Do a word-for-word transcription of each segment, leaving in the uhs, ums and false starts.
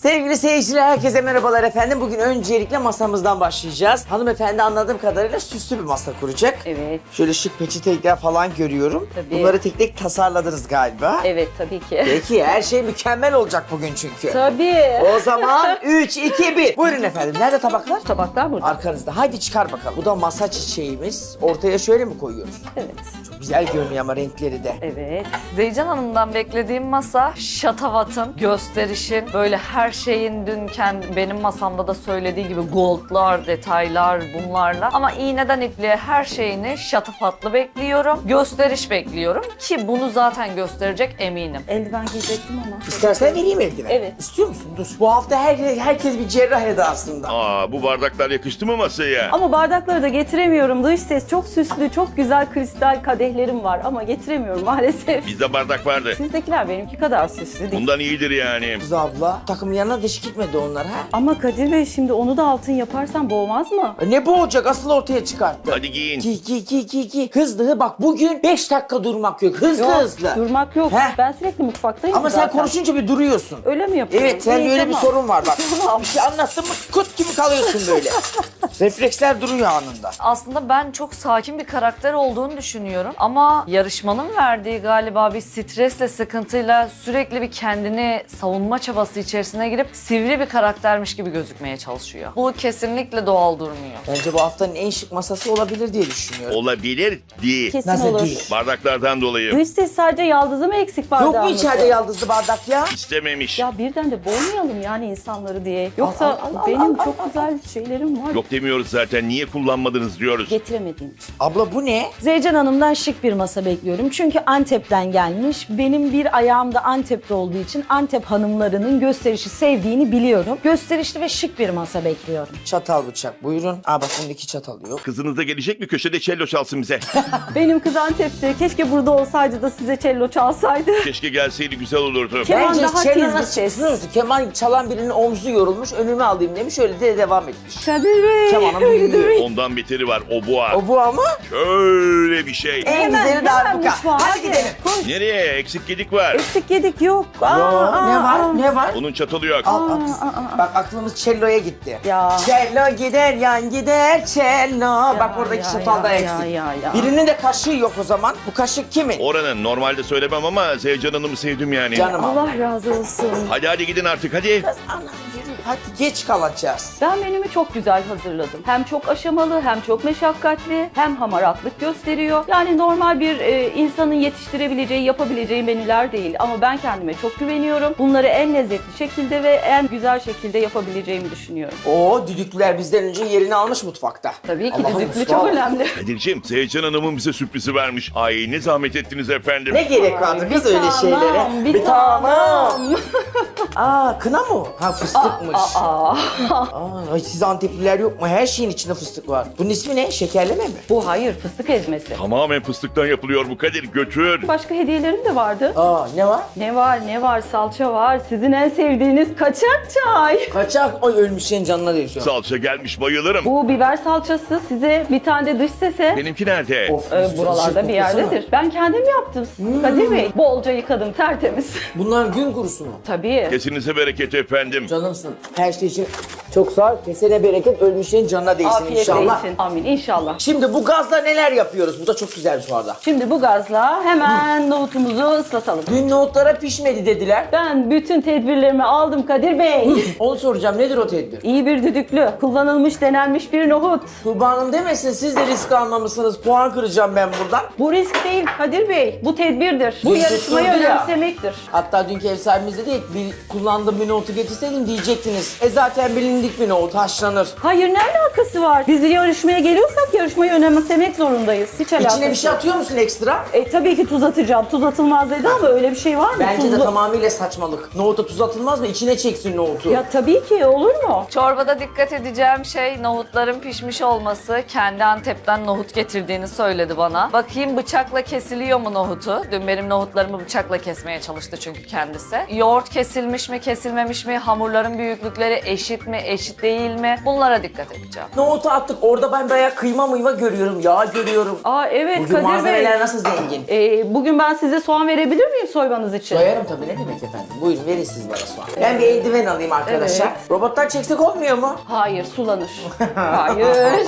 Sevgili seyirciler, herkese merhabalar efendim. Bugün öncelikle masamızdan başlayacağız. Hanımefendi anladığım kadarıyla süslü bir masa kuracak. Evet. Şöyle şık peçeteler falan görüyorum. Tabii. Bunları tek tek tasarladınız galiba. Evet tabii ki. Peki, her şey mükemmel olacak bugün çünkü. Tabii. O zaman üç, iki, bir. Buyurun efendim. Nerede tabaklar? Tabaklar burada. Arkanızda. Haydi çıkar bakalım. Bu da masa çiçeğimiz. Ortaya şöyle mi koyuyoruz? Evet. Çok güzel görünüyor ama renkleri de. Evet. Zeycan Hanım'dan beklediğim masa şatavatın, gösterişin, böyle her şeyin dün kendi, benim masamda da söylediği gibi goldlar, detaylar bunlarla. Ama iğneden ipliğe her şeyini şatafatlı bekliyorum. Gösteriş bekliyorum ki bunu zaten gösterecek eminim. Eldiven giyecektim ama. İstersen vereyim eldiven. Evet. İstiyor musun? Dur. Bu hafta her, herkes bir cerrah edasında. Aa, bu bardaklar yakıştı mı masaya? Ama bardakları da getiremiyorum. Dış ses çok süslü, çok güzel kristal kadehlerim var ama getiremiyorum maalesef. Bizde bardak vardı. Sizdekiler benimki kadar süslü değil. Bundan iyidir yani. Kız abla, takım yanına dış gitmedi onlar ha? Ama Kadir Bey şimdi onu da altın yaparsan boğmaz mı? E Ne boğacak? Asıl ortaya çıkarttı. Hadi giyin. Ki ki ki ki ki. Hızlı bak, bugün beş dakika durmak yok. Hızlı Yok, hızlı. durmak yok. Heh. Ben sürekli mutfaktayım Ama zaten. sen konuşunca bir duruyorsun. Öyle mi yapıyorum? Evet, sen İyi, böyle bir tamam. sorun var bak. Bir şey anlattın mı kut gibi kalıyorsun böyle. Refleksler duruyor anında. Aslında ben çok sakin bir karakter olduğunu düşünüyorum ama yarışmanın verdiği galiba bir stresle, sıkıntıyla sürekli bir kendini savunma çabası içerisine girip sivri bir karaktermiş gibi gözükmeye çalışıyor. Bu kesinlikle doğal durmuyor. Bence bu haftanın en şık masası olabilir diye düşünüyorum. Olabilir değil. Kesin Nasıl olur. değil? Bardaklardan dolayı. Dış ses sadece yaldızı mı eksik Yok bardağımızda? mu içeride yaldızlı bardak ya? İstememiş. Ya birden de boğmayalım yani insanları diye. Yoksa al, al, al, benim al, çok güzel şeylerim var. Yok demiyoruz zaten. Niye kullanmadınız diyoruz. Getiremediğim için. Abla bu ne? Zeycan Hanım'dan şık bir masa bekliyorum. Çünkü Antep'ten gelmiş. Benim bir ayağım da Antep'te olduğu için Antep hanımlarının gösterişi sevdiğini biliyorum. Gösterişli ve şık bir masa bekliyorum. Çatal bıçak buyurun. Aa bak bunda iki çatal yok. Kızınız da gelecek mi? Köşede cello çalsın bize. Benim kız Antep'te. Keşke burada olsaydı da size cello çalsaydı. Keşke gelseydi, güzel olurdu. Keman Bence daha cello tiz bir nasıl ses. biliyor musun? Keman çalan birinin omzu yorulmuş, önüme alayım demiş, öyle de devam etmiş. Kadir Bey. Kemanın büyüğü. Ondan beteri var. O boğa. O bu ama Şöyle bir şey. en Hemen, güzeli hemen darbuka. mutfağa, Hadi hadi. gidelim. Nereye? Eksik gedik var. Eksik yedik yok. Aa, Yo, aa, ne var? aa. Ne var? Onun çatalı yok. Al, al kız. Bak aklımız cello'ya gitti. Ya. Cello gider yan gider cello. Bak buradaki ya, çatal da ya, eksik. ya, ya, ya. Birinin de kaşığı yok o zaman. Bu kaşık kimin? Oranın. Normalde söylemem ama Zeycan Hanım'ı sevdim yani. Canım al. Allah razı olsun. Hadi hadi gidin artık hadi. Kız anam yürü. Hadi geç kalacağız. Ben menümü çok güzel hazırladım. Hem çok aşamalı, hem çok meşakkatli, hem hamaratlık gösteriyor. Yani normal bir e, insanın yetiştirebileceği, yapabileceği menüler değil. Ama ben kendime çok güveniyorum. Bunları en lezzetli şekilde ve en güzel şekilde yapabileceğimi düşünüyorum. Oo, düdüklüler bizden önce yerini almış mutfakta. Tabii ki Allah'ım düdüklü Mustafa. çok önemli. Kadir'cim, Zeycan Hanım'ın bize sürprizi vermiş. Ay ne zahmet ettiniz efendim. Ne gerek vardı kız bir öyle tanem, şeylere? bir tanem. Aa, kına mı? o? Ha, fıstıkmış. Aa, Aa, ay siz Antepliler yok mu? Her şeyin içinde fıstık var. Bunun ismi ne? Şekerleme mi? bu hayır, fıstık ezmesi. Tamamen fıstıktan yapılıyor bu Kadir. Götür. Başka hediyelerim de vardı. Aa, ne var? Ne var, ne var? Salça var. Sizin en sevdiğiniz kaçak çay. Kaçak. Ay ölmüşlerin canına değiyor. Salça gelmiş, bayılırım. Bu biber salçası size bir tane de dış sese. Benimki nerede? Of, Ee, şu buralarda bir koklasana. yerdedir. Ben kendim yaptım. Kadir Bey, bolca yıkadım, tertemiz. Bunlar gün kurusu mu? Tabii. Kesinize bereket efendim. Canımsın. Her şey için çok sağ ol. Kesene bereket, ölmüşlerin canına değsin Afiyet inşallah. olsun. Amin inşallah. Şimdi bu gazla neler yapıyoruz? Bu da çok güzelmiş bu arada. Şimdi bu gazla hemen nohutumuzu ıslatalım. Dün nohutlara pişmedi dediler. Ben bütün tedbirlerimi aldım Kadir Bey. Onu soracağım. Nedir o tedbir? İyi bir düdüklü, kullanılmış, denenmiş bir nohut. Tuğba Hanım demesin, siz de risk almamışsınız. Puan kıracağım ben buradan. Bu risk değil Kadir Bey, bu tedbirdir. Bu Dün yarışmayı tutturdu ya. önemsemektir. Hatta dünkü ev sahibimiz dedi ki, bir kullandığım bir nohutu getirseydim diyecektiniz. E zaten bilindik bir nohut, haşlanır. Hayır, ne alakası var? Biz bir yarışmaya geliyorsak yarışmayı önemsemek zorundayız. Hiç alakası İçine bir şey yok. atıyor musun ekstra? E tabii ki tuz atacağım. Tuz atılmaz dedi ama öyle bir şey var mı? Bence de Tuzlu- tamamıyla saçmalık. Nohuta tuz atılmaz mı? İçine çeksin nohutu. Ya tabii ki olur mu? Çorbada dikkat edeceğim şey nohutların pişmiş olması. Kendi Antep'ten nohut getirdiğini söyledi bana. Bakayım bıçakla kesiliyor mu nohutu? Dün benim nohutlarımı bıçakla kesmeye çalıştı çünkü kendisi. Yoğurt kesilmiş mi, kesilmemiş mi? Hamurların büyüklükleri eşit mi, eşit değil mi? Bunlara dikkat edeceğim. Nohutu attık. Orada ben bayağı kıyma mıyma görüyorum. Yağ görüyorum. Aa evet Bugün Kadir Bey. malzemeler nasıl zengin? Ee, bugün ben size soğan verebilir miyim soymanız için? Soyarım tabii, ne demek efendim. Buyurun verin siz bana soğan. Ben bir eldiven alayım arkadaşlar. Evet. Robottan çeksek olmuyor mu? Hayır sulanır. Hayır.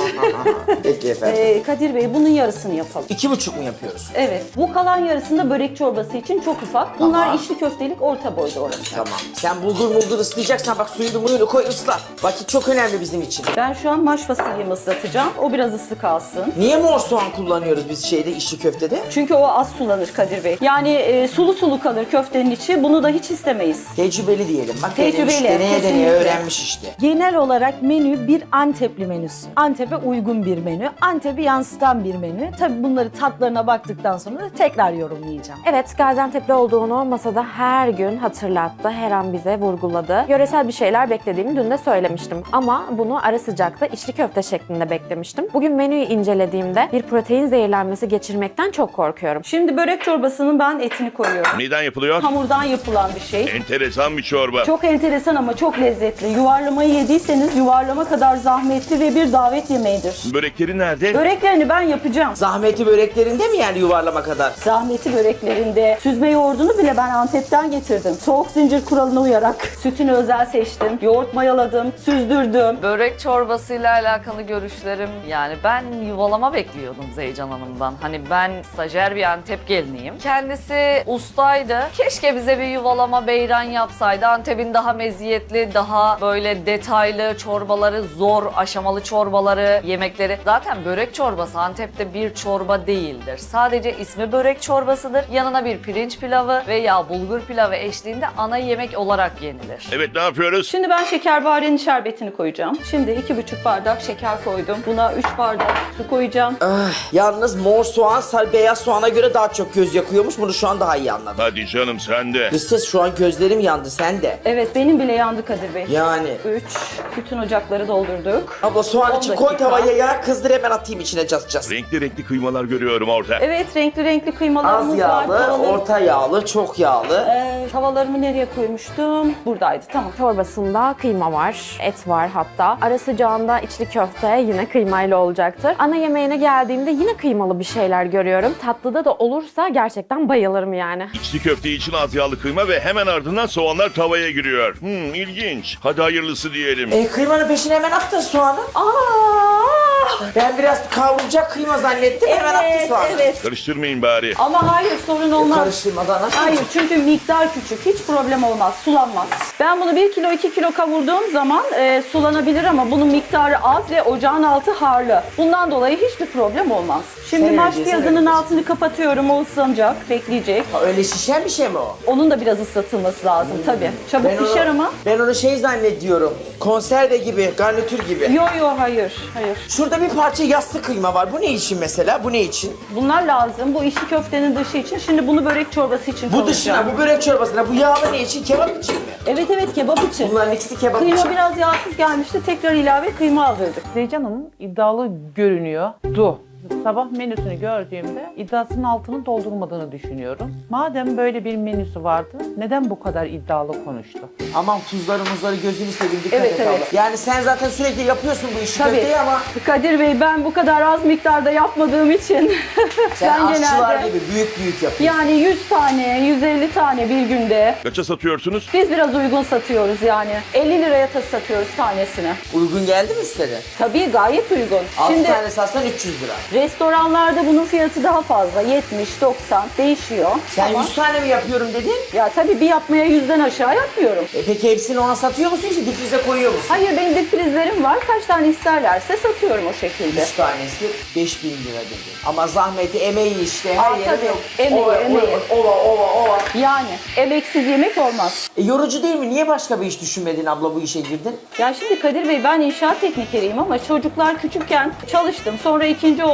Peki efendim. Ee, Kadir Bey bunun yarısını yapalım. İki buçuk mu yapıyoruz? Evet. Bu kalan yarısında börek çorbası için çok ufak. Bunlar Tamam. içli köftelik orta boyda olacak. Tamam. Sen bulgur mulgur ıslayacaksan bak suyunu muyunu koy ısla. Vakit çok önemli bizim için. Ben şu an maş fasulyemi ıslatacağım. O biraz ısı kalsın. Niye mor soğan kullanıyoruz biz şeyde, içli köftede? Çünkü o az sulanır Kadir Bey. Yani e, sulu sulu kalır köftenin içi. Bunu da hiç istemeyiz. Tecrübeli diyelim. Bak Tecrübeli, denemiş, deneye deneye kesinlikle. öğrenmiş işte. Genel olarak menü bir Antepli menüsü. Antep'e uygun bir menü. Antep'i yansıtan bir menü. Tabii bunları tatlarına baktıktan sonra da tekrar yorumlayacağım. Evet, Gaziantep'li olduğunu masada her gün hatırlattı, her an bize vurguladı. Yöresel bir şeyler beklediğimi dün de söylemiştim ama bunu ara sıcakta içli köfte şeklinde beklemiştim. Bugün menüyü incelediğimde bir protein zehirlenmesi geçirmekten çok korkuyorum. Şimdi börek çorbasının ben etini koyuyorum. Neden yapılıyor? Hamurdan yapılan bir şey. Enteresan bir çorba. Çok enteresan ama çok lezzetli. Yuvarlamayı yediyseniz yuvarlama kadar zahmetli ve bir davet yemeğidir. Börekleri nerede? Böreklerini ben yapacağım. Zahmeti böreklerinde mi yani yuvarlama kadar? Zahmeti böreklerinde. Süzme yoğurdunu bile ben Antep'ten getirdim. Soğuk zincir kuralına uyarak sütünü özel seçtim. Yoğurt mayaladım, süzdürdüm. Börek çorbasıyla alakalı görüşlerim, yani ben yuvalama bekliyordum Zeycan Hanım'dan. Hani ben stajyer bir Antep geliniyim. Kendisi ustaydı. Keşke bize bir yuvalama beyran yapsaydı. Antep'in daha meziyetli, daha böyle detaylı çorbaları, zor aşamalı çorbaları, yemekleri. Zaten börek çorbası Antep'te bir çorba değildir. Sadece ismi börek çorbasıdır. Yanına bir pirinç pilavı veya bulgur pilavı eşliğinde ana yemek olarak yenilir. Evet, ne yapıyoruz? Şimdi ben şekerbarenin şerbetini koyacağım. Şimdi iki buçuk bardak şeker koydum. Buna üç bardak su koyacağım. Ah, yalnız mor soğan sar beyaz soğana göre daha çok göz yakıyormuş. Bunu şu an daha iyi anladım. Hadi canım sen de. Kız ses, şu an gözlerim yandı, sen de. Evet benim bile yandı Kadir Bey. Yani. Üç. Bütün ocakları doldurduk. Abla soğan on için koy dakika. tavaya ya, kızdır hemen atayım içine cas cas. Renkli renkli kıymalar görüyorum orada. Evet renkli renkli kıymalarımız Az var. yağlı, Tavalar- orta yağlı, çok yağlı. Ee, tavalarımı nereye koymuştum? Buradaydı tamam. Çorbasında kıyma var, et var hatta. Ara sıcağında içli köfte yine kıymayla olacaktır. Ana yemeğine geldiğimde yine kıymalı bir şeyler görüyorum. Tatlıda da olursa gerçekten bayılırım yani. İçli köfte için az yağlı kıyma ve hemen ardından soğanlar tavaya giriyor. Hmm, ilginç. Hadi hayırlısı diyelim. E, kıymanın peşine hemen attın soğanı. Aa! Ben biraz kavrulacak kıyma zannettim, hemen attın Evet, soğanı. evet. Karıştırmayın bari. Ama hayır sorun olmaz. Karıştırmadan nasıl Hayır olacak? çünkü miktar küçük. Hiç problem olmaz. Sulanmaz. Ben bunu bir kilo iki kilo kavurduğum zaman e, sulanabilir ama bunun miktarı az ve ocağın altı harlı. Bundan dolayı hiçbir problem olmaz. Şimdi Sen maş önce, sen piyazının önce. altını kapatıyorum. O ıslanacak, bekleyecek. Ha, öyle şişen bir şey mi o? Onun da biraz ıslatılması lazım tabii. Çabuk Ben onu- pişer ama. Ben onu şey zannediyorum. Konserve gibi, garnitür gibi. Yo yo hayır, hayır. Şurada bir parça yassı kıyma var. Bu ne için mesela? Bu ne için? Bunlar lazım. Bu içli köftenin dışı için. Şimdi bunu börek çorbası için Bu kavuracağım. dışına, bu börek çorbasına, bu yağlı ne için? Kebap için mi? Evet evet kebap için. Bunların ikisi kebap Kıyma için. biraz yağsız gelmişti. Tekrar ilave kıyma aldırdık. Zeycan Hanım iddialı görünüyordu. Sabah menüsünü gördüğümde iddiasının altını doldurmadığını düşünüyorum. Madem böyle bir menüsü vardı, neden bu kadar iddialı konuştu? Aman tuzları muzları gözünü seveyim, dikkat Evet, et evet. abla. Yani sen zaten sürekli yapıyorsun bu işi Tabii. köfteyi ama Kadir Bey ben bu kadar az miktarda yapmadığım için sen ben aşçılar genelde gibi büyük büyük yapıyorsun. yani yüz tane, yüz elli tane bir günde. Kaça satıyorsunuz? Biz biraz uygun satıyoruz yani. elli liraya ta satıyoruz tanesini. Uygun geldi mi size? Tabii gayet uygun. altı Şimdi tane satsan üç yüz lira. restoranlarda bunun fiyatı daha fazla. yetmiş doksan değişiyor. Sen Ama yüz tane mi yapıyorum dedin? ya tabii bir yapmaya yüzden aşağı yapmıyorum. E peki hepsini ona satıyor musun, işte difrize koyuyor musun? Hayır benim dip prizlerim var. Kaç tane isterlerse satıyorum o şekilde. yüz tanesi beş bin lira dedi. Ama zahmeti, emeği işte her Aa, yeri tabii. yok. Emeği, ova, emeği. Ova, ova, ova. Yani emeksiz yemek olmaz. E, yorucu değil mi? Niye başka bir iş düşünmedin abla, bu işe girdin? Ya şimdi Kadir Bey ben inşaat teknikeriyim ama çocuklar küçükken çalıştım. Sonra ikinci oğlum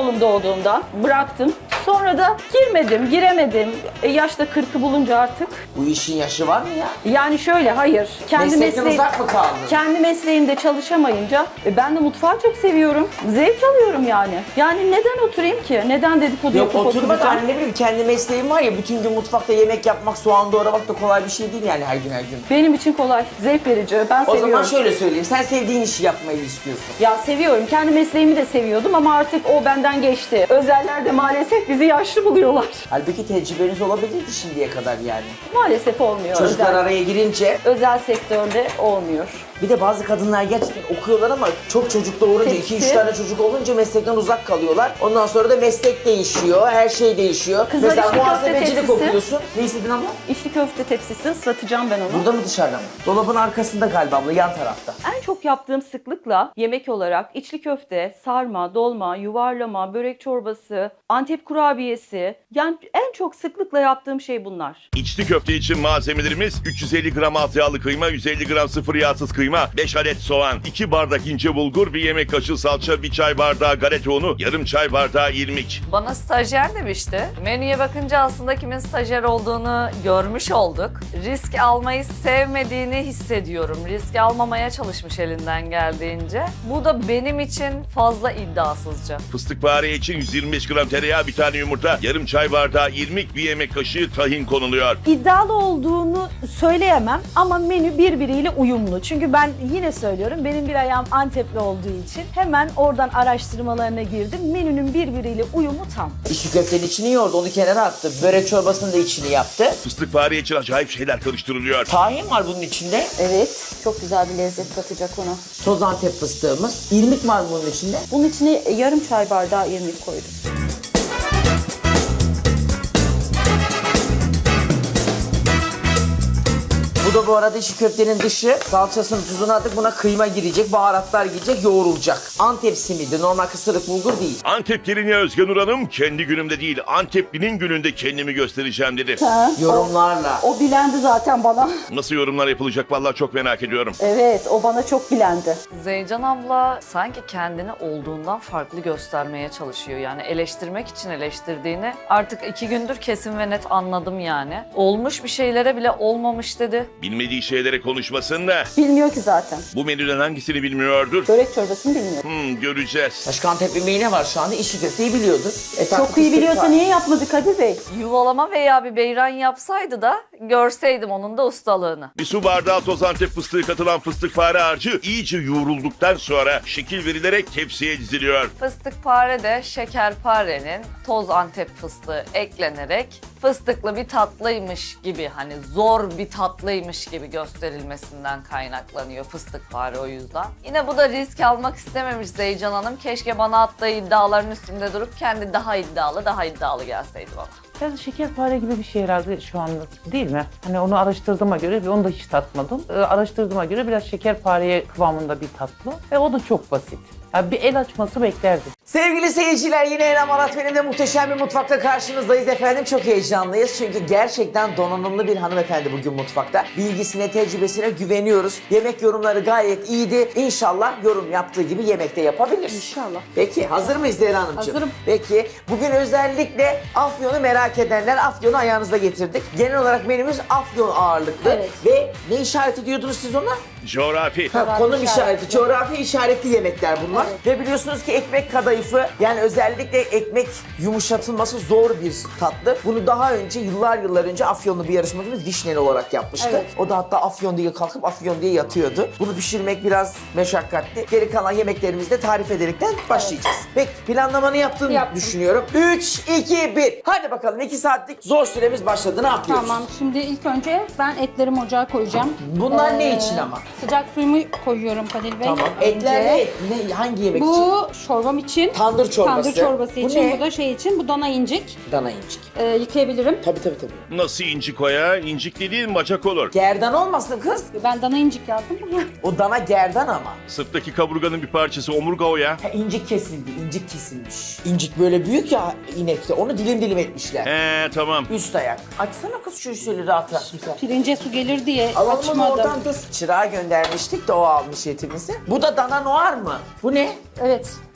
oğlum doğduğunda bıraktım. Sonra da girmedim, giremedim. E, yaşta kırkı bulunca artık. Bu işin yaşı var mı ya? Yani şöyle hayır. Kendi Meslekten mesleği- uzak mı kaldın? Kendi mesleğimde çalışamayınca e, ben de mutfağı çok seviyorum. Zevk alıyorum yani. Yani neden oturayım ki? Neden dedikodu Yok yapıp oturmak oturacağım? hani ne bileyim kendi mesleğim var ya bütün gün mutfakta yemek yapmak, soğan doğramak da kolay bir şey değil yani her gün her gün. Benim için kolay, zevk verici. Ben O seviyorum. zaman şöyle söyleyeyim sen sevdiğin işi yapmayı istiyorsun. Ya seviyorum. Kendi mesleğimi de seviyordum ama artık o benden geçti. Özeller de maalesef bizi yaşlı buluyorlar. Halbuki tecrübeniz olabilirdi şimdiye kadar yani. Maalesef olmuyor. Çocuklar özel, araya girince özel sektörde olmuyor. bir de bazı kadınlar gerçekten okuyorlar ama çok çocuk doğurunca, Hepsi- iki üç tane çocuk olunca meslekten uzak kalıyorlar. Ondan sonra da meslek değişiyor, her şey değişiyor. Kızlar Mesela işte muhasebecilik köfte tepsisi. okuyorsun. Ne istedin abla? İçli köfte tepsisi satacağım ben onu. Burada mı dışarıda mı? Dolabın arkasında galiba abla, yan tarafta. En çok yaptığım sıklıkla yemek olarak içli köfte, sarma, dolma, yuvarlama, börek çorbası, Antep kurabiyesi. Yani en çok sıklıkla yaptığım şey bunlar. İçli köfte için malzemelerimiz üç yüz elli gram alt yağlı kıyma, yüz elli gram sıfır yağsız kıyma, beş adet soğan, iki bardak ince bulgur, bir yemek kaşığı salça, bir çay bardağı galeta unu, yarım çay bardağı irmik. Bana stajyer demişti. Menüye bakınca aslında kimin stajyer olduğunu görmüş olduk. Risk almayı sevmediğini hissediyorum. Risk almamaya çalışmış elinden geldiğince. Bu da benim için fazla iddiasızca. Fıstıkbare için yüz yirmi beş gram tereyağı, bir tane yumurta, yarım çay bardağı irmik, bir yemek kaşığı tahin konuluyor. İddialı olduğunu söyleyemem ama menü birbiriyle uyumlu. Çünkü ben yine söylüyorum benim bir ayağım Antepli olduğu için hemen oradan araştırmalarına girdim. Menünün birbiriyle uyumu tam. İçli köftenin içini yoğurdu, onu kenara attı. Börek çorbasının da içini yaptı. Fıstıkbare için acayip şeyler karıştırılıyor. Tahin var bunun içinde. Evet, çok güzel bir lezzet katacak ona. Toz Antep fıstığımız. İrmik var bunun içinde. Bunun içine yarım çay bardağı irmik koydum. Bu da bu arada içli köftenin dışı. Salçasını, tuzunu attık. Buna kıyma girecek, baharatlar girecek, yoğrulacak. Antep simidi, normal kısırık bulgur değil. Antep gelini Özgen Nur Hanım kendi günümde değil Anteplinin gününde kendimi göstereceğim dedi. Yorumlarla. O bilendi zaten bana. Nasıl yorumlar yapılacak vallahi çok merak ediyorum. Evet, o bana çok bilendi. Zeycan abla sanki kendini olduğundan farklı göstermeye çalışıyor. Yani eleştirmek için eleştirdiğini artık iki gündür kesin ve net anladım yani. Olmuş bir şeylere bile olmamış dedi. Bilmediği şeylere konuşmasın da Bilmiyor ki zaten. bu menüden hangisini bilmiyordur? Börek çorbasını bilmiyor. Hmm, göreceğiz. Başka Antep yemeği ne var şu anda? İçli köfteyi biliyordur. E, tatlı Çok iyi fıstık biliyorsa var. niye yapmadı Kadir Bey? Yuvalama veya bir beyran yapsaydı da görseydim onun da ustalığını. Bir su bardağı toz Antep fıstığı katılan fıstıkpare harcı iyice yoğrulduktan sonra şekil verilerek tepsiye diziliyor. Fıstıkpare de şekerparenin toz Antep fıstığı eklenerek fıstıklı bir tatlıymış gibi hani zor bir tatlıymış gibi gösterilmesinden kaynaklanıyor fıstıkpare o yüzden. Yine bu da risk almak istememiş Zeycan Hanım. Keşke bana attığı iddiaların üstünde durup kendi daha iddialı daha iddialı gelseydi bana. Biraz şekerpare gibi bir şey herhalde şu anda değil mi? Hani onu araştırdığıma göre ve onu da hiç tatmadım. Ee, araştırdığıma göre biraz şekerpareye kıvamında bir tatlı ve o da çok basit. Yani bir el açması beklerdim. Sevgili seyirciler yine Enem Arat benim de muhteşem bir mutfakta karşınızdayız efendim. Çok heyecanlıyız çünkü gerçekten donanımlı bir hanımefendi bugün mutfakta. Bilgisine, tecrübesine güveniyoruz. Yemek yorumları gayet iyiydi. İnşallah yorum yaptığı gibi yemekte yapabilir. İnşallah. Peki hazır mıyız Zehra Hanımcığım? Hazırım. Peki bugün özellikle Afyon'u merak edenler Afyon'u ayağınızda getirdik. Genel olarak menümüz Afyon ağırlıklı. Evet. Ve ne işareti diyordunuz siz ona? Coğrafi. Ha, konum işareti. işareti, coğrafi işaretli yemekler bunlar. Ve biliyorsunuz ki ekmek kadayıfı yani özellikle ekmek yumuşatılması zor bir tatlı. Bunu daha önce yıllar yıllar önce Afyonlu bir yarışmacımız Vişneli olarak yapmıştı. Evet. O da hatta Afyon diye kalkıp Afyon diye yatıyordu. Bunu pişirmek biraz meşakkatli. Geri kalan yemeklerimizi de tarif ederekten başlayacağız. Peki planlamanı yaptığını Yaptım. düşünüyorum. üç, iki, bir. Hadi bakalım iki saatlik zor süremiz başladı. Ne yapıyoruz? Tamam, şimdi ilk önce ben etlerimi ocağa koyacağım. Bunlar ne Ee, için ama? Sıcak suyumu koyuyorum Kadir Bey. Tamam. önce. Etler ne? et? Ne? Hangi yemek için? Bu çorbam için. Tandır çorbası. Tandır çorbası Bu için. ne? Bu da şey için. Bu dana incik. Dana incik. Ee, yıkayabilirim. Tabii tabii tabii. Nasıl incik o ya? İncik dediğin bacak olur. Gerdan olmasın kız. Ben dana incik yazdım. O dana gerdan ama. Sırttaki kaburganın bir parçası omurga o ya. Ha, incik kesildi, incik kesilmiş. İncik böyle büyük ya inekte. Onu dilim dilim etmişler. He tamam. Üst ayak. Açsana kız şu şöyle rahat rahat güzel. Pirince su gelir diye Alalım onu açmadım. oradan dur. Çırağa göndermiştik de o almış etimizi. Bu da dana noir mı? Bu ne? Evet.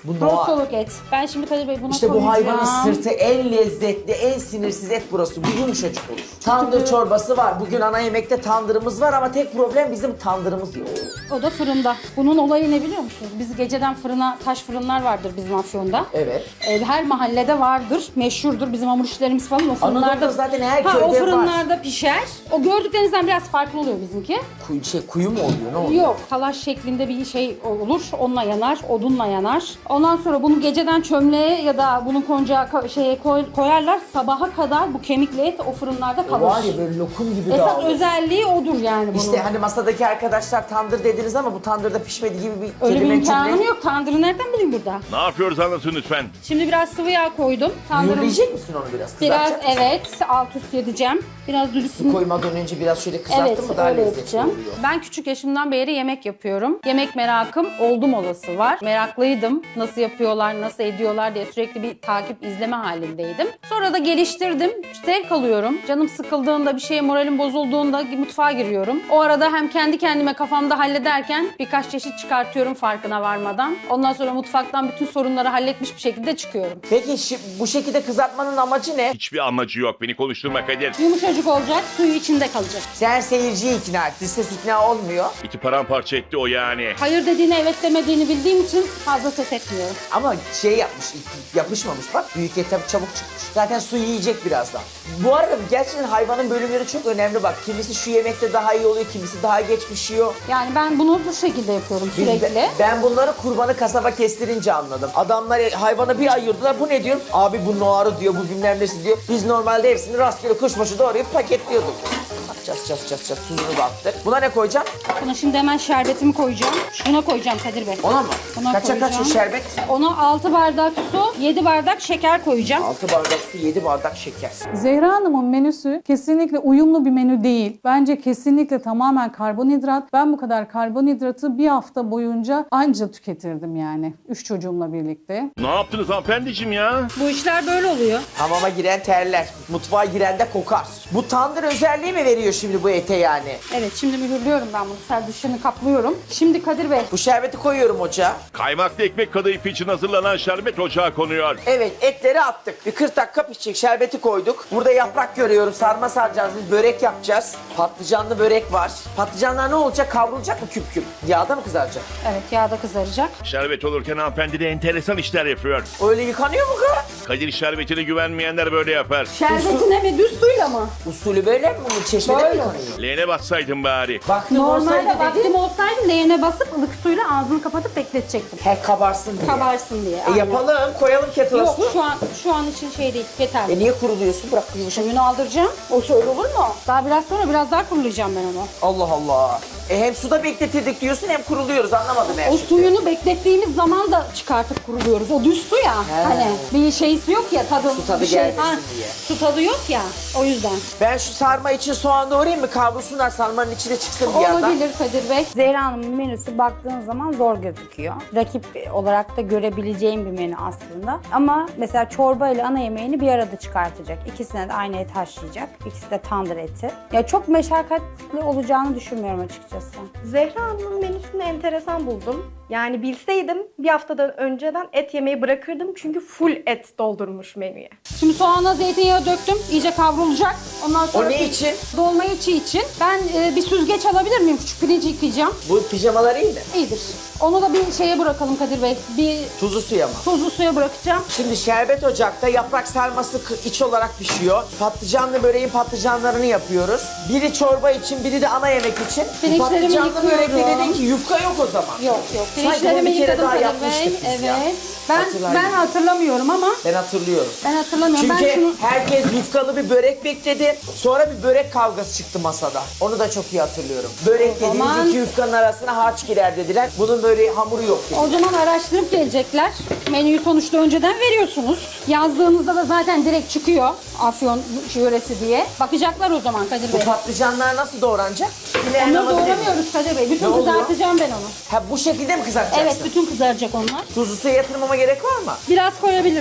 Bu noa. Rosoluk et. Ben şimdi Kadir Bey buna İşte bu koyacağım. hayvanın sırtı en lezzetli, en sinirsiz et burası. Bu yumuşacık olur. Tandır çorbası var. Bugün ana yemekte tandırımız var ama tek problem bizim tandırımız yok. O da fırında. Bunun olayı ne biliyor musunuz? Biz geceden fırına, taş fırınlar vardır bizim Afyon'da. Evet. Ee, Her mahallede vardır, meşhurdur bizim hamur işlerimiz falan. O fırınlarda Anadolu'da zaten her ha, köyde o var. fırınlarda pişer. O gördüklerinizden biraz farklı oluyor bizimki. Kuyu, şey, kuyu mu oluyor? Ne oluyor? Yok, talaş şeklinde bir şey olur. Onunla yanar, odunla yanar. Ondan sonra bunu geceden çömleğe ya da bunu koncağa ko- şeye koy- koyarlar. Sabaha kadar bu kemikli et o fırınlarda O kalır. var ya böyle lokum gibi Esas dağılıyor. özelliği odur yani bunun. İşte hani masadaki arkadaşlar tandır dediniz ama bu tandırda pişmedi gibi bir Öyle bir kelime imkanım cümle. yok. Tandırı nereden bileyim burada? Ne yapıyoruz anlatın lütfen. Şimdi biraz sıvı yağ koydum. Tandırım Mühürleyecek misin onu biraz? biraz Kızartacak mısın? evet alt üst edeceğim. Biraz Su dürüstsün. koymadan önce biraz şöyle kızarttın Evet, mı daha öyle lezzetli yapacağım. oluyor. Ben küçük yaşımdan beri yemek yapıyorum. Yemek merakım oldum olası var. Meraklıydım. Nasıl yapıyorlar, nasıl ediyorlar diye sürekli bir takip, izleme halindeydim. Sonra da geliştirdim. Zevk alıyorum. Canım sıkıldığında, bir şeye moralim bozulduğunda mutfağa giriyorum. O arada hem kendi kendime kafamda hallederken birkaç çeşit çıkartıyorum farkına varmadan. Ondan sonra mutfaktan bütün sorunları halletmiş bir şekilde çıkıyorum. Peki şi- bu şekilde kızartmanın amacı ne? Hiçbir amacı yok. Beni konuşturma Kadir. Yumuşacık olacak, suyu içinde kalacak. Sen seyirciyi ikna et. Ses ikna olmuyor. İti paramparça etti o yani. Hayır dediğine evet demediğini bildiğim için fazla ses etmiyorum. Ama şey yapmış, yapışmamış bak. Büyük et tabii çabuk çıkmış. Zaten su yiyecek birazdan. Bu arada gerçekten hayvanın bölümleri çok önemli bak. Kimisi şu yemekte daha iyi oluyor, kimisi daha geç pişiyor. Yani ben bunu bu şekilde yapıyorum Biz- sürekli. ben, ben bunları kurbanı kasaba kestirince anladım. Adamlar hayvana bir ayırdılar. Bu ne diyor? Abi bu noarı diyor, bu bilmem nesi diyor. Biz normalde hepsini rastgele kuşbaşı doğrayıp paketliyorduk. Ças ças ças ças tuzunu da attık. Buna ne koyacağım? Buna şimdi hemen şerbetimi koyacağım. Buna koyacağım Kadir Bey. Ona mı? Buna Kaça kaç koyacağım. şerbet? Ona altı bardak su, yedi bardak şeker koyacağım. altı bardak su, yedi bardak şeker. Zehra Hanım'ın menüsü kesinlikle uyumlu bir menü değil. Bence kesinlikle tamamen karbonhidrat. Ben bu kadar karbonhidratı bir hafta boyunca anca tüketirdim yani. Üç çocuğumla birlikte. Ne yaptınız hanımefendiciğim ya? Bu işler böyle oluyor. Hamama giren terler, mutfağa giren de kokar. Bu tandır özelliği mi veriyor şimdi bu ete yani? Evet şimdi mühürlüyorum ben bunu. Ser dışını kaplıyorum. Şimdi Kadir Bey. Bu şerbeti koyuyorum ocağa. Kaymaklı ekmek kadayıfı için hazırlanan şerbet ocağa konuyor. Evet, etleri attık. Bir kırk dakika pişecek. Şerbeti koyduk. Burada yaprak görüyorum. Sarma saracağız. Biz börek yapacağız. Patlıcanlı börek var. Patlıcanlar ne olacak? Kavrulacak mı küp küp? Yağda mı kızaracak? Evet yağda kızaracak. Şerbet olurken hanımefendi de enteresan işler yapıyor. Öyle yıkanıyor mu kız? Kadir şerbetine güvenmeyenler böyle yapar. Şerbetine mi düz suyla mı? Usulü böyle mi? Bunu çeşmede mi Böyle. yıkanıyor? Leğene bassaydın bari. Baktım Normalde olsaydı dedi. vaktim olsaydı leğene basıp ılık suyla ağzını kapatıp bekletecektim. He kabarsın diye. Kabarsın diye. E aynen. yapalım. Koyalım kettle'a Yok su. şu an şu an için şey değil yeterli. E niye kuruluyorsun? Bırak yumuşak. Suyunu aldıracağım. O öyle olur mu? Daha biraz sonra biraz daha kurulayacağım ben onu. Allah Allah. E hem suda bekletirdik diyorsun hem kuruluyoruz. Anlamadım her O şeyi. suyunu beklettiğimiz zaman da çıkartıp kuruluyoruz. O düz su ya. He. Hani bir şeysi yok ya tadı. Su tadı bir şey, gelmesin diye. Su tadı yok ya. O yüzden. Ben şu sarma için soğan doğrayayım mı? Kavrulsunlar, sarmanın içine çıksın bir yandan. Olabilir Kadir Bey. Zehra Hanım'ın menüsü baktığın zaman zor gözüküyor. Rakip olarak da görebileceğim bir menü aslında. Ama mesela çorba ile ana yemeğini bir arada çıkartacak. İkisine de aynı et haşlayacak. İkisi de tandır eti. Ya çok meşakkatli olacağını düşünmüyorum açıkçası. Zehra Hanım'ın menüsünü enteresan buldum. Yani bilseydim bir haftadan önceden et yemeyi bırakırdım çünkü full et doldurmuş menüye. Şimdi soğana zeytinyağı döktüm. İyice kavrulacak. Ondan sonra O ne için? dolma içi için. Ben e, bir süzgeç alabilir miyim? Küçük pirinci yıkayacağım. Bu pijamalar iyi mi? İyidir. Onu da bir şeye bırakalım Kadir Bey. Bir Tuzlu suya mı? tuzlu suya bırakacağım. Şimdi şerbet ocakta yaprak sarması kı- iç olarak pişiyor. Patlıcanlı böreğin patlıcanlarını yapıyoruz. Biri çorba için, biri de ana yemek için. Bu Pirinçlerimi patlıcanlı börekte yıkıyorum. dedin ki yufka yok o zaman. Yok yok. Sanki bunu Pirinçlerimi bir kere yıkadım daha Kadir yapmıştık Bey. biz ya. Evet. Ben Hatırlayın. ben hatırlamıyorum ama Ben hatırlıyorum. ben hatırlamıyorum. Çünkü ben şunu herkes yufkalı bir börek bekledi. Sonra bir börek kavgası çıktı masada. Onu da çok iyi hatırlıyorum. Börek O dediğimiz zaman- iki yufkanın arasına harç girer dediler. Bunun böyle hamuru yok dedi. o zaman araştırıp gelecekler. Menüyü sonuçta önceden veriyorsunuz. Yazdığınızda da zaten direkt çıkıyor Afyon yöresi diye. Bakacaklar o zaman Kadir Bu Bey. patlıcanlar nasıl doğranacak? Yine en Onları havalı dedi. doğramıyoruz Kadir Bey. Bütün Ne oluyor? kızartacağım ben onu. Ha bu şekilde mi kızartacaksın? Evet bütün kızaracak onlar. Tuzlu suya yatırmama gerek var mı? Biraz koyabiliriz.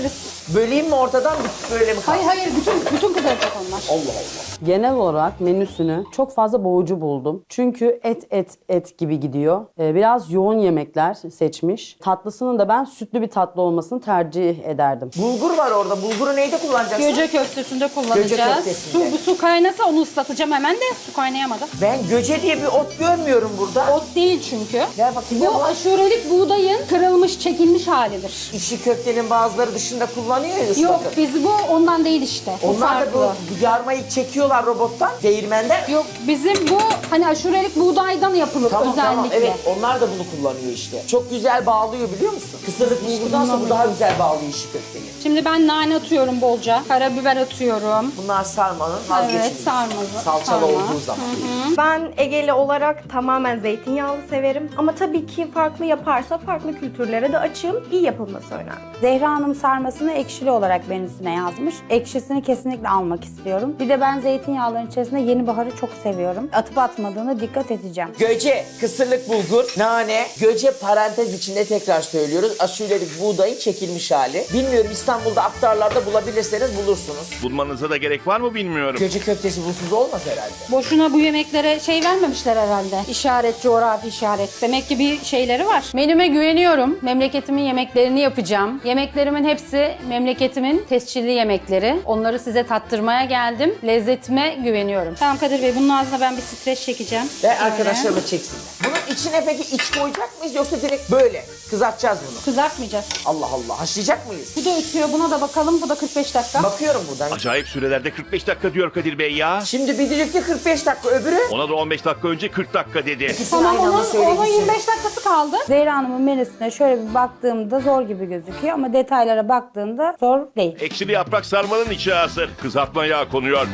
Böleyim mi ortadan böyle mi kalsın? Hayır hayır bütün bütün kızaracak onlar. Allah Allah. Genel olarak menüsünü çok fazla boğucu buldum. Çünkü et et et gibi gidiyor. Ee, biraz yoğun yemekler seçmiş. Tatlısının da ben sütlü bir tatlı olmasını tercih ederdim. Bulgur var orada. Bulguru neyde kullanacaksın? Göce köftesinde kullanacağız. Göce köftesinde. Su, bu su kaynasa onu ıslatacağım hemen de su kaynayamadı. Ben göce diye bir ot görmüyorum burada. Ot değil çünkü. Ver bakayım. Bu aşurelik buğdayın kırılmış, çekilmiş halidir. İşi köftenin bazıları dışında kullanıyor ya ıslatır. Yok biz bu ondan değil işte. Bu Onlar da farklı. bu yarmayı çekiyorlar robottan, değirmenden. Yok bizim bu hani aşurelik buğdaydan yapılır Tamam özellikle. tamam evet onlar da bunu kullanıyor işte. Çok güzel bağlıyor biliyor musun? Kısırlık bulgurdansa bu daha güzel bağlıyor işi köfteyi. Şimdi ben nane atıyorum bolca, karabiber atıyorum. Bunlar sarmanın vazgeçilmezi. Evet sarma. Salçalı sarma. olduğu zaman. Ben Egeli olarak tamamen zeytinyağlı severim. Ama tabii ki farklı yaparsa farklı kültürlere de açığım. İyi yapılması önemli. Zehra Hanım sarmasını ekşili olarak menüsüne yazmış. Ekşisini kesinlikle almak istiyorum. Bir de ben zeytinyağların içerisinde yeni baharı çok seviyorum. Atıp atmadığına dikkat edeceğim. Göce, kısırlık bulgur, nane, göce parantez içinde tekrar söylüyoruz. Aşurelik buğdayın çekilmiş hali. Bilmiyorum İstanbul'da aktarlarda bulabilirseniz bulursunuz. Bulmanıza da gerek var mı bilmiyorum. Göce köftesi bulsuz olmaz herhalde. Boşuna bu yemeklere şey vermemişler herhalde. İşaret, coğrafi işaret. Demek ki bir şeyleri var. Menüme güveniyorum. Memleketimin yemeklerini yapacağım. Yemeklerimin hepsi memleketimin tescilli yemekleri. Onları size tattırmaya geldim. Lezzetime güveniyorum. Tamam Kadir Bey bunun ağzına ben bir streç çekeceğim. Ve Böyle. arkadaşlarımı çeksinler. Bunun içine peki iç koyacak mıyız yoksa direkt böyle kızartacağız bunu? Kızartmayacağız. Allah Allah haşlayacak mıyız? Bu da ötüyor. Buna da bakalım. Bu da kırk beş dakika. Bakıyorum buradan. Acayip sürelerde kırk beş dakika diyor Kadir Bey ya. Şimdi bir düdükte kırk beş dakika öbürü. Ona da on beş dakika önce kırk dakika dedi. İkisini Tamam aynı anda onun, söyledi. onun yirmi beş dakikası kaldı. Zehra Hanım'ın menüsüne şöyle bir baktığımda zor gibi gözüküyor ama detaylara baktığında zor değil. Ekşili yaprak sarmanın içi hazır. Kızartma yağı konuyor.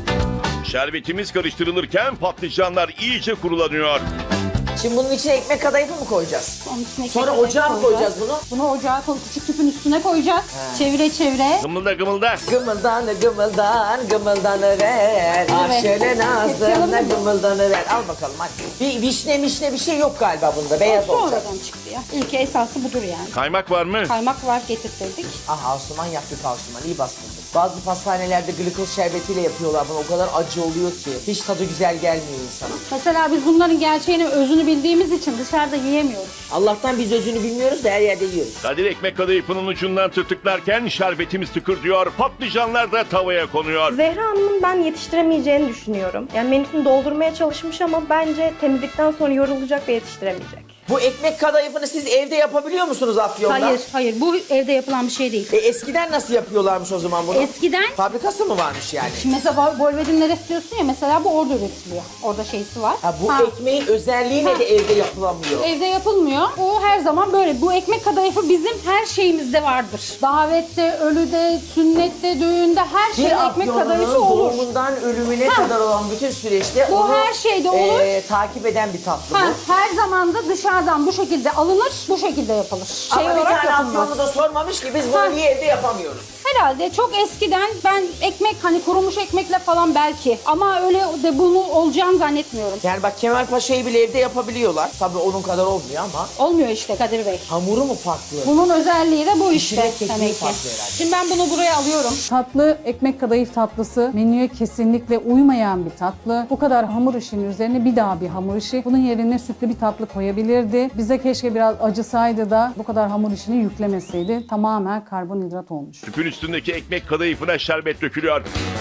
Şerbetimiz karıştırılırken patlıcanlar iyice kurulanıyor. Şimdi bunun içine ekmek kadayıfı mı koyacağız? Onun içine Sonra ekmek ocağa mı koyacağız bunu? Bunu ocağa koy, küçük tüpün üstüne koyacağız. Çevire çevire. Gımılda gımılda. Gımıldanı gımıldan gımıldanı ver. Ah şöyle nazlına gımıldanı ver. Al bakalım hadi. Bir vişne mişne bir şey yok galiba bunda. Beyaz olacak. Sonradan çıktı ya. İlk esası budur yani. Kaymak var mı? Kaymak var getirttirdik. Aha Asuman yaptık Asuman iyi bastırdık. Bazı pastanelerde glikoz şerbetiyle yapıyorlar bunu. O kadar acı oluyor ki. Hiç tadı güzel gelmiyor insana. Mesela biz bunların gerçeğini, özünü bildiğimiz için dışarıda yiyemiyoruz. Allah'tan biz özünü bilmiyoruz da her yerde yiyoruz. Kadir ekmek kadayıfının ucundan tırtıklarken şerbetimiz tıkır diyor. Patlıcanlar da tavaya konuyor. Zehra Hanım'ın ben yetiştiremeyeceğini düşünüyorum. Yani menüsünü doldurmaya çalışmış ama bence temizlikten sonra yorulacak ve yetiştiremeyecek. Bu ekmek kadayıfını siz evde yapabiliyor musunuz Afyon'da? Hayır, hayır. Bu evde yapılan bir şey değil. E, eskiden nasıl yapıyorlarmış o zaman bunu? Eskiden Fabrikası mı varmış yani? Şimdi mesela Bolvedinler istiyorsun ya mesela bu orada üretiliyor. Orada şeysi var. Ha, bu Ha. ekmeğin özelliği ne Ha. de evde yapılamıyor. Evde yapılmıyor. O her zaman böyle. Bu ekmek kadayıfı bizim her şeyimizde vardır. Davette, ölüde, sünnette, düğünde her şeyde Bir ekmek Afyon'un kadayıfı olur. doğumundan ölümüne Ha. kadar olan bütün süreçte Bu onu her şeyde olur. e, takip eden bir tatlı Ha, bu. her zaman da dışarıdan bu şekilde alınır, bu şekilde yapılır. Şey Ama bir olarak tane yapılmaz. Afyonlu da sormamış ki biz bunu Ha. niye evde yapamıyoruz? Herhalde çok eskiden ben ekmek hani kurumuş ekmekle falan belki ama öyle de bunu olacağını zannetmiyorum. Yani bak Kemal Paşa'yı bile evde yapabiliyorlar. Tabii onun kadar olmuyor ama Olmuyor işte Kadir Bey. hamuru mu farklı? Bunun özelliği de bu işte İçine kekliği demek ki. farklı herhalde. Şimdi ben bunu buraya alıyorum. Tatlı ekmek kadayıf tatlısı menüye kesinlikle uymayan bir tatlı. Bu kadar hamur işinin üzerine bir daha bir hamur işi. Bunun yerine sütlü bir tatlı koyabilirdi. Bize keşke biraz acısaydı da bu kadar hamur işini yüklemeseydi. Tamamen karbonhidrat olmuş. Tüpün üstündeki ekmek kadayıfına şerbet dökülüyor.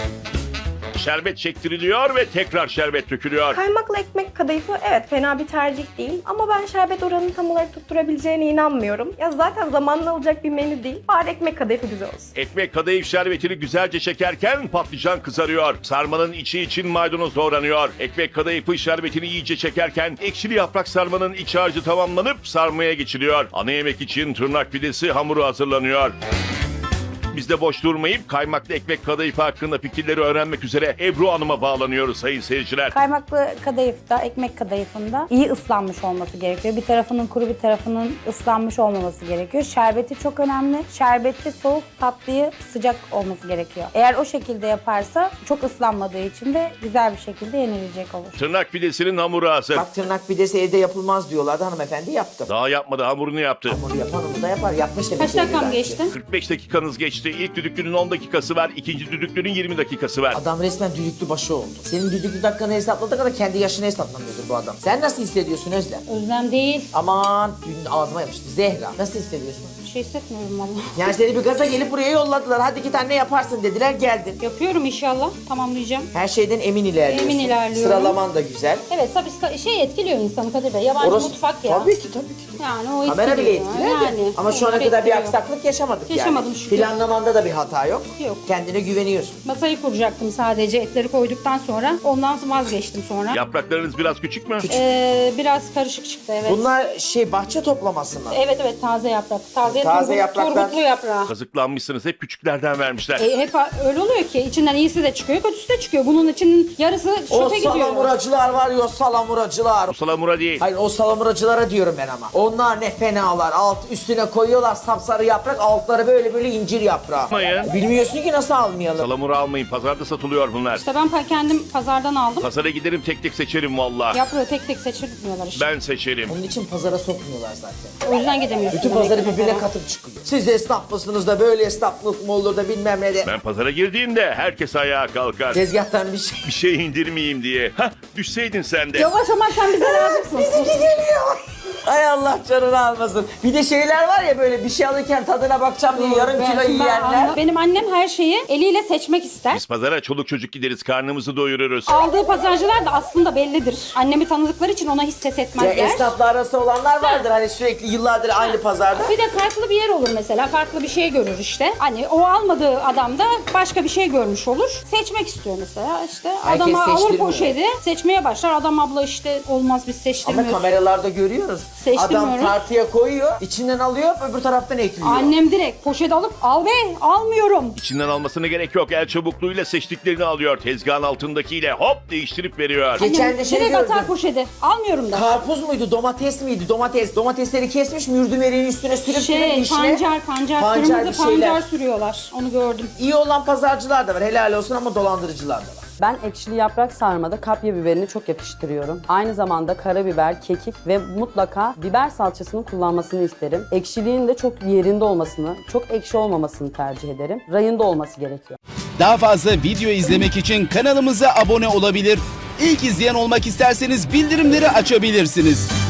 Şerbet çektiriliyor ve tekrar şerbet dökülüyor. Kaymaklı ekmek kadayıfı evet fena bir tercih değil ama ben şerbet oranını tam olarak tutturabileceğine inanmıyorum. Ya zaten zamanla alacak bir menü değil. Bari ekmek kadayıfı güzel olsun. Ekmek kadayıf şerbetini güzelce çekerken patlıcan kızarıyor. Sarmanın içi için maydanoz doğranıyor. Ekmek kadayıfı şerbetini iyice çekerken ekşili yaprak sarmanın iç harcı tamamlanıp sarmaya geçiliyor. Ana yemek için tırnak pidesi hamuru hazırlanıyor. Biz de boş durmayıp kaymaklı ekmek kadayıfı hakkında fikirleri öğrenmek üzere Ebru Hanım'a bağlanıyoruz sayın seyirciler. Kaymaklı kadayıfta, ekmek kadayıfında iyi ıslanmış olması gerekiyor. Bir tarafının kuru bir tarafının ıslanmış olmaması gerekiyor. Şerbeti çok önemli. Şerbeti soğuk, tatlıyı sıcak olması gerekiyor. Eğer o şekilde yaparsa çok ıslanmadığı için de güzel bir şekilde yenilecek olur. Tırnak pidesinin hamuru hazır. Bak tırnak pidesi evde yapılmaz diyorlardı hanımefendi yaptım. Daha yapmadı, hamurunu yaptı. Hamuru yapan onu da yapar. Yapmış demek Kaç ki evde dakikam bence. geçti? kırk beş dakikanız geçti. geçti. İlk düdüklünün on dakikası var, ikinci düdüklünün yirmi dakikası var. Adam resmen düdüklü başı oldu. Senin düdüklü dakikanı hesapladığı kadar kendi yaşını hesaplamıyordur bu adam. Sen nasıl hissediyorsun Özlem? Özlem değil. Aman dün ağzıma yapıştı. Zehra nasıl hissediyorsun? Bir şey hissetmiyorum valla. Yani seni bir gaza gelip buraya yolladılar. Hadi iki tane yaparsın dediler, geldin. Yapıyorum inşallah. Tamamlayacağım. Her şeyden emin ilerliyorsun. Emin ilerliyorum. Sıralaman da güzel. Evet tabii şey etkiliyor insanı Kadir Bey. Yabancı Orası- mutfak ya. Tabii ki tabii ki. Yani o Kamera bile etkiliyor. etkiler de. Yani, Ama şu ana onlar kadar bir etkiliyor. aksaklık yaşamadık yani. Yaşamadım şükür. Planlamanda da bir hata yok. Yok. Kendine güveniyorsun. Masayı kuracaktım sadece etleri koyduktan sonra. Ondan vazgeçtim sonra. Yapraklarınız biraz küçük mü? Ee, biraz karışık çıktı evet. Bunlar şey bahçe toplaması mı? Evet evet taze yaprak. Taze, Taze turgut- yapraklar. turgutlu yaprağı. Kazıklanmışsınız, hep küçüklerden vermişler. E, hep öyle oluyor ki içinden iyisi de çıkıyor, kötüsü de çıkıyor. Bunun için yarısı O çöpe gidiyor. salamuracılar var ya, o salamuracılar. O salamura değil. Hayır, o salamuracılara diyorum ben ama. Onlar ne fenalar. Alt üstüne koyuyorlar sapsarı yaprak, altları böyle böyle incir yaprağı. Almayın. Bilmiyorsun ki nasıl almayalım. Salamura almayın, pazarda satılıyor bunlar. İşte ben pa- kendim pazardan aldım. Pazara giderim, tek tek seçerim valla. Yaprağı tek tek seçilmiyorlar işte. Ben seçerim. Onun için pazara sokmuyorlar zaten. O yüzden gidemiyorsun. Bütün demek pazarı ki birbirine pazara. katıp çıkıyor. Siz esnaf mısınız da böyle esnaflık mı olur da bilmem ne de. Ben pazara girdiğimde herkes ayağa kalkar. Tezgahtan bir şey. Bir şey indirmeyeyim diye. Hah, düşseydin sen de. Yavaş ama sen bize lazımsın. Ay Allah canını almasın. Bir de şeyler var ya, böyle bir şey alırken tadına bakacağım diye yarım Ben- kilo ben yiyenler. anla- Benim annem her şeyi eliyle seçmek ister. Biz pazara çoluk çocuk gideriz, karnımızı doyururuz. Aldığı pazarcılar da aslında bellidir. Annemi tanıdıkları için ona hiç ses Ya etmezler. esnafla arası olanlar vardır hani sürekli yıllardır aynı pazarda. Bir de farklı bir yer olur mesela. Farklı bir şey görür işte. Hani o almadığı adam da başka bir şey görmüş olur. Seçmek istiyor mesela. İşte Herkes adama alır seçtirmiyor. poşeti. Seçmeye başlar. Adam abla işte olmaz biz Ama seçtirmiyoruz. kameralarda görüyoruz. Adam Seçtirmiyorum. tartıya koyuyor, içinden alıyor, öbür taraftan ekliyor. Annem direkt poşet alıp al be almıyorum. İçinden almasına gerek yok. El çabukluğuyla seçtiklerini alıyor. Tezgahın altındakiyle hop değiştirip veriyor. Geçen Annem de şey direkt gördüm. atar poşeti. Almıyorum da. Karpuz muydu, domates miydi? Domates. Domatesleri kesmiş, mürdümerin üstüne sürüp sürüp Şey dişine. pancar pancar, Pancar kırmızı bir şeyler. pancar sürüyorlar. Onu gördüm. İyi olan pazarcılar da var, helal olsun, ama dolandırıcılar da var. Ben ekşili yaprak sarmada kapya biberini çok yakıştırıyorum. Aynı zamanda karabiber, kekik ve mutlaka biber salçasını kullanmasını isterim. Ekşiliğin de çok yerinde olmasını, çok ekşi olmamasını tercih ederim. Rayında olması gerekiyor. Daha fazla video izlemek için kanalımıza abone olabilir. İlk izleyen olmak isterseniz bildirimleri açabilirsiniz.